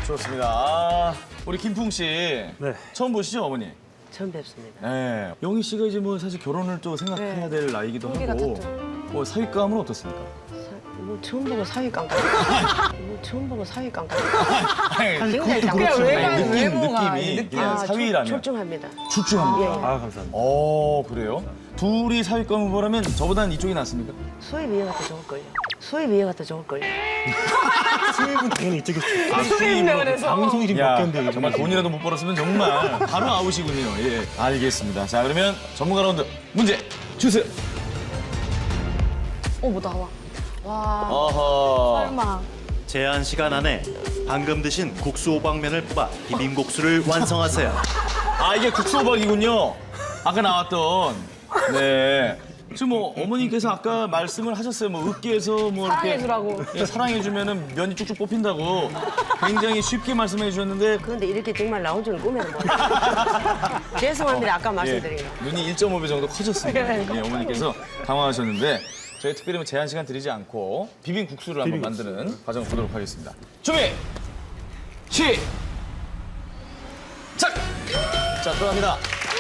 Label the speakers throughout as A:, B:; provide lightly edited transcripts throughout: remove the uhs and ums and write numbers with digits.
A: 좋습니다. 아, 우리 김풍 씨.
B: 네.
A: 처음 보시죠, 어머니?
C: 처음 뵙습니다.
A: 네. 영희 씨가 이제 뭐 사실 결혼을 또 생각해야 될 나이기도
C: 홍기가
A: 하고.
C: 탔죠.
A: 뭐 사윗감은 어떻습니까?
C: 뭐 처음 보고 사위 깡깡. 뭐 처음 보고 사위 깡깡.
A: 아니,
C: 굉장히
B: 그것도
C: 깡깡.
B: 그렇죠.
A: 아니,
D: 외모가
A: 느낌이 그냥 사위라면
C: 출중합니다.
A: 출중합니다.
C: 예, 예.
B: 아, 감사합니다.
A: 그래요? 둘이 사윗감 후보라면 저보다는 이쪽이 낫습니까?
C: 수입 이해가 더 좋을걸요. 수입 이해가 더 좋을걸요.
B: 수입은 당연히 이쪽이
A: 수입이라
D: 그래서.
B: 방송이 지금
A: 야,
B: 바뀌었는데
A: 정말 돈이라도 못 벌었으면 정말 바로 아웃이군요. 예, 알겠습니다. 자, 그러면 전문가 라운드 문제 주세요.
D: 뭐 나와. 와,
A: 어허.
D: 설마.
E: 제한 시간 안에 방금 드신 국수 호박면을 뽑아 비빔국수를 완성하세요.
A: 아, 이게 국수호박이군요. 아까 나왔던. 네. 지금 뭐 어머님께서 아까 말씀을 하셨어요. 뭐 으깨서 뭐 이렇게
D: 사랑해주라고.
A: 예, 사랑해주면은 면이 쭉쭉 뽑힌다고 굉장히 쉽게 말씀해 주셨는데
C: 그런데 이렇게 정말 나온 줄은 꿈에도 몰랐어요. 죄송합니다. 아까 말씀드린 거.
A: 예, 눈이 1.5배 정도 커졌습니다. 예, 어머니께서 당황하셨는데 저희 특별히 뭐 제한 시간 드리지 않고 비빔국수를 한번 만드는 과정을 보도록 하겠습니다. 준비! 시작! 자, 들어갑니다.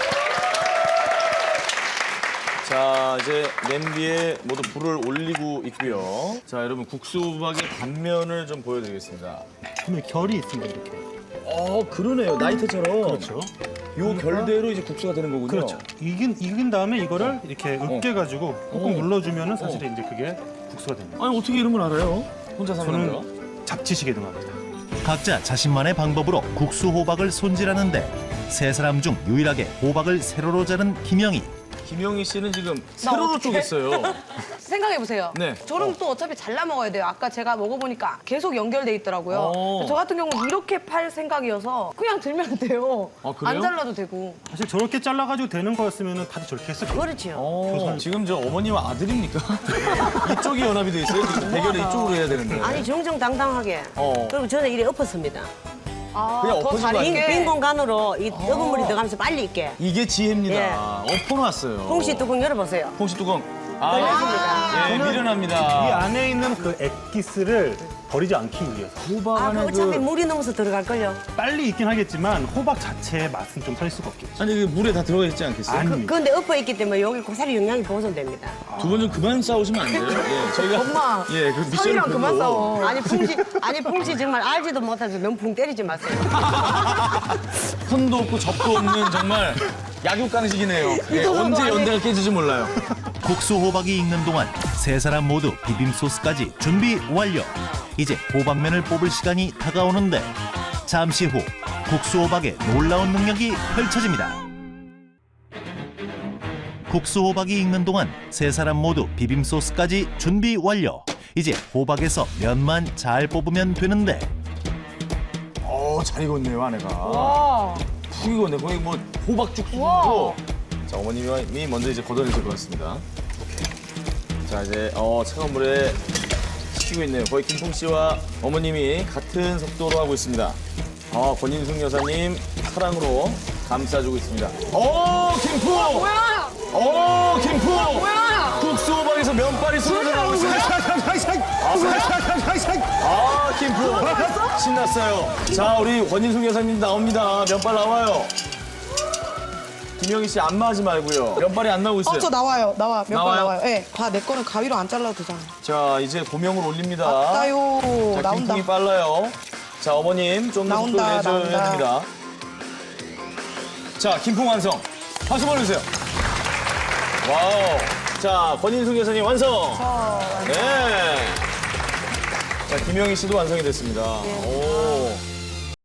A: 자, 이제 냄비에 모두 불을 올리고 있고요. 자, 여러분 국수박의 단면을 좀 보여드리겠습니다.
B: 보면 결이 있습니다, 이렇게.
A: 그러네요. 나이트처럼.
B: 그렇죠.
A: 요 결대로 이제 국수가 되는 거군요.
B: 그렇죠. 익은 다음에 이거를 이렇게 으깨가지고 꾹꾹 눌러주면은 사실 이제 그게 국수가 됩니다.
A: 아니, 어떻게 이름을 알아요? 혼자 사는 거요?
B: 저는 잡치시게 등합니다.
E: 각자 자신만의 방법으로 국수 호박을 손질하는데 세 사람 중 유일하게 호박을 세로로 자른 김영희.
A: 김영희 씨는 지금 세로로 쪼갰어요.
D: 생각해보세요.
A: 네.
D: 저는 또 어차피 잘라 먹어야 돼요. 아까 제가 먹어보니까 계속 연결돼 있더라고요.
A: 어.
D: 저 같은 경우는 이렇게 팔 생각이어서 그냥 들면 돼요.
A: 아, 그래요?
D: 안 잘라도 되고.
B: 사실 저렇게 잘라가지고 되는 거였으면 다들 저렇게 했을 거예요.
C: 그렇지요.
A: 지금 저 어머니와 아들입니까? 이쪽이 연합이 돼 있어요. 지금 대결을 이쪽으로 해야 되는데.
C: 아니 정정당당하게.
A: 어.
C: 그리고 저는 이래 엎었습니다.
D: 아,
A: 그냥
D: 더
A: 엎어진 거
D: 잘
A: 아니에요?
D: 익게.
C: 빈 공간으로 이 뜨거운 물이 들어가면서 빨리 익게.
A: 이게 지혜입니다. 엎어놨어요.
C: 홍시 뚜껑 열어보세요.
A: 홍시 뚜껑.
C: 열렸습니다.
A: 예,
B: 이
A: 미련합니다.
B: 안에 있는 그 액기스를 버리지 않기 위해서.
A: 호박
C: 아,
A: 안에
C: 그 어차피 물이 넘어서 들어갈걸요.
B: 빨리 익긴 하겠지만 호박 자체의 맛은 좀 살 수가 없겠죠.
A: 아니, 이게 물에 다 들어가 있지 않겠어요?
B: 아니.
C: 그런데 엎어 있기 때문에 여기 고사리 영양이 보존됩니다.
A: 두 분 좀 그만 싸우시면 안 돼요? 예, 저희가
D: 엄마,
A: 예, 그 미션을
D: 사위랑 그만
A: 보고
D: 싸워.
C: 아니 풍지 정말 알지도 못하면서 너무 붕 때리지 마세요.
A: 선도 없고 접도 없는 정말 약육강식이네요. 예, 언제 연대가 깨질지 몰라요.
E: 국수 호박이 익는 동안 세 사람 모두 비빔 소스까지 준비 완료. 이제 호박면을 뽑을 시간이 다가오는데 잠시 후 국수 호박의 놀라운 능력이 펼쳐집니다. 국수 호박이 익는 동안 세 사람 모두 비빔 소스까지 준비 완료. 이제 호박에서 면만 잘 뽑으면 되는데
A: 잘 익었네요, 아내가.
D: 와.
A: 푹 익었네. 거의 뭐 호박죽 수준으로. 자, 어머님이 먼저 이제 걷어내실 것 같습니다. 자, 이제 차가운 물에 식히고 있네요. 거의 김풍 씨와 어머님이 같은 속도로 하고 있습니다. 권인숙 여사님 사랑으로 감싸주고 있습니다. 김풍!
D: 뭐야?
A: 김풍!
D: 뭐야?
A: 국수 호박에서 면발이 쏟아져 나오고 있습니다. 김풍! 신났어요. 자, 우리 권인숙 여사님 나옵니다. 면발 나와요. 김영희 씨 안마하지 말고요. 면발이 안 나오고 있어요.
D: 저 나와요. 몇
A: 나와요?
D: 번 나와요. 네. 내 거는 가위로 안 잘라도 되잖아.
A: 자, 이제 고명을 올립니다.
D: 나요.
A: 자,
D: 나온다.
A: 김풍이 빨라요. 자, 어머님 좀 더 속도
D: 나온다,
A: 내줘야
D: 나온다.
A: 됩니다. 자, 김풍 완성. 박수 보내주세요. 와우. 자, 권인숙 여사님 완성. 네. 자, 김영희 씨도 완성이 됐습니다. 오.